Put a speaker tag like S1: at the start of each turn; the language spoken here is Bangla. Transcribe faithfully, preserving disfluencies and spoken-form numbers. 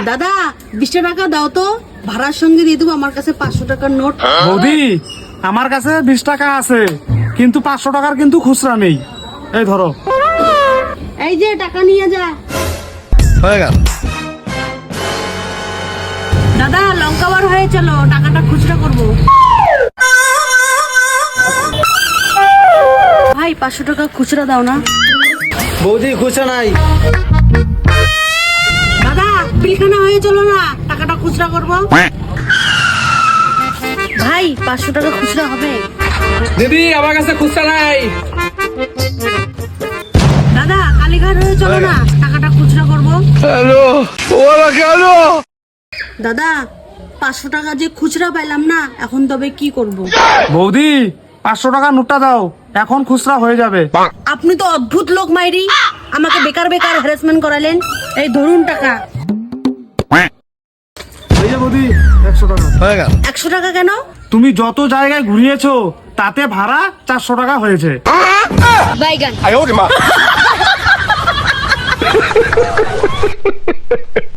S1: দাদা বিশটা টাকা দাও তো, ভাড়ার সঙ্গে দিয়ে দেবো। আমার কাছে পাঁচশো টাকার নোট।
S2: বৌদি আমার কাছে বিশ টাকা আছে, কিন্তু পাঁচশো টাকার কিন্তু খুচরা নেই। এই ধরো।
S1: এই যে টাকা নিয়ে যা।
S3: হয়ে গেল।
S1: দাদা লঙ্কা বার হয়ে চলো, টাকাটা খুচরা করবো। ভাই পাঁচশো টাকা খুচরা দাও না।
S3: বৌদি খুচরা নাই।
S1: দাদা পিলখানা হয়ে চলো না, টাকাটা খুচরা করবো। ভাই পাঁচশো টাকা খুচরা হবে?
S4: দিদি আমার কাছে খুচরা নাই।
S1: দাদা কালীঘাট হয়ে চলো না, টাকাটা খুচরা করবো।
S3: হ্যালো ওরা কেন?
S1: দাদা পাঁচশো টাকা যে খুচরা পাইলাম না, এখন তবে কি করব?
S2: বৌদি পাঁচশো টাকা নোটটা দাও, এখন খুচরা হয়ে যাবে।
S1: আপনি তো অদ্ভুত লোক মাইরি, আমাকে বেকার বেকার হ্যারাসমেন্ট করালেন। এই ধরুন টাকা।
S2: এই যে বৌদি একশো টাকা।
S3: হয়ে গেল।
S1: একশো টাকা কেন?
S2: তুমি যত জায়গায় ঘুরিয়েছো তাতে ভাড়া চারশো টাকা হয়েছে।
S1: বাইগান।